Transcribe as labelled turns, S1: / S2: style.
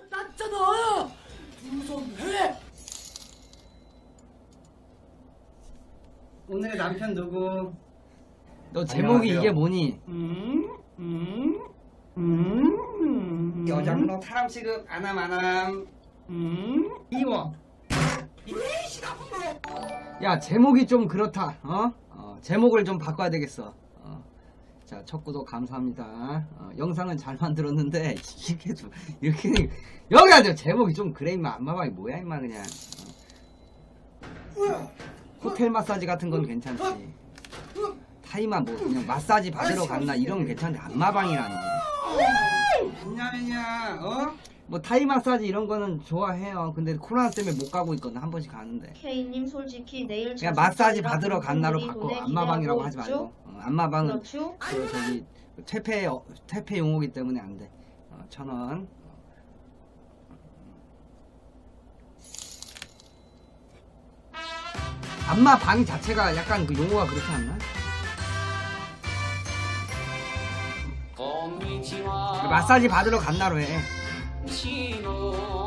S1: 났잖아. 두 손 해.
S2: 오늘의 남편 누구?
S3: 너 제목이
S2: 안녕하세요.
S3: 이게 뭐니?
S2: 여장로 사람 취급 안함 이워.
S3: 야, 제목이 좀 그렇다. 제목을 좀 바꿔야 되겠어. 자, 첫 구독 감사합니다. 영상은 잘 만들었는데 이게 좀 이렇게 여기 앉아. 제목이 좀 그래 임마. 안마방이 뭐야 임마 그냥. 호텔 마사지 같은 건 괜찮지. 타이마 뭐 그냥 마사지 받으러 갔나 이런 건 괜찮은데 안마방이라니.
S2: 뭐냐면야
S3: 뭐 타이 마사지 이런 거는 좋아해요. 근데 코로나 때문에 못 가고 있거든. 한 번씩 가는데.
S4: K님 솔직히 내일
S3: 그냥 마사지 받으러 간나로 바꿔. 안마방이라고 하지 말고. 안마방은
S4: 그렇죠?
S3: 그 저기 퇴폐 용어기 때문에 안 돼. 1,000원. 안마방 자체가 약간 그 용어가 그렇지 않나? 그 마사지 받으러 간나로 해.